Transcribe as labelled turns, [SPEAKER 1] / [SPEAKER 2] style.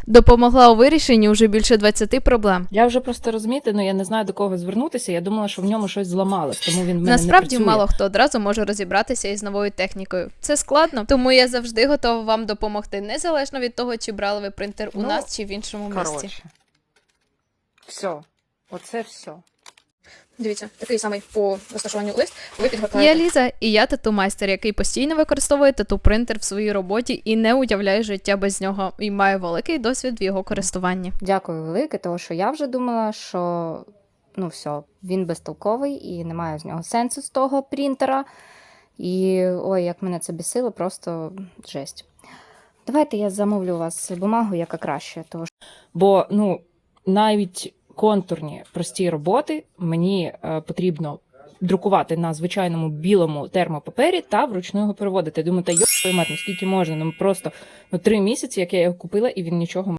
[SPEAKER 1] Допомогла у вирішенні вже більше 20 проблем.
[SPEAKER 2] Я вже просто розумієте, я не знаю, до кого звернутися. Я думала, що в ньому щось зламалось, тому він в мене
[SPEAKER 1] Насправді
[SPEAKER 2] не працює.
[SPEAKER 1] мало хто одразу може розібратися із новою технікою. Це складно, тому я завжди готова вам допомогти, незалежно від того, чи брали ви принтер у нас, чи в іншому місці.
[SPEAKER 2] Все. Оце все.
[SPEAKER 3] Дивіться, такий самий по розташуванню лист. Ви
[SPEAKER 1] Я
[SPEAKER 3] підгортаєте.
[SPEAKER 1] Ліза, і я тату-майстер, який постійно використовує тату-принтер в своїй роботі і не уявляє життя без нього, і має великий досвід в його користуванні.
[SPEAKER 4] Дякую велике, тому що я вже думала, що все, він безтолковий і немає з нього сенсу з того принтера. І ой, як мене це бісило, просто жесть. Давайте я замовлю у вас бумагу, яка краще, тому що
[SPEAKER 2] Бо, навіть контурні прості роботи мені потрібно друкувати на звичайному білому термопапері та вручну його переводити. Я думаю, та йо, скільки можна? Просто 3 місяці, як я його купила, і він нічого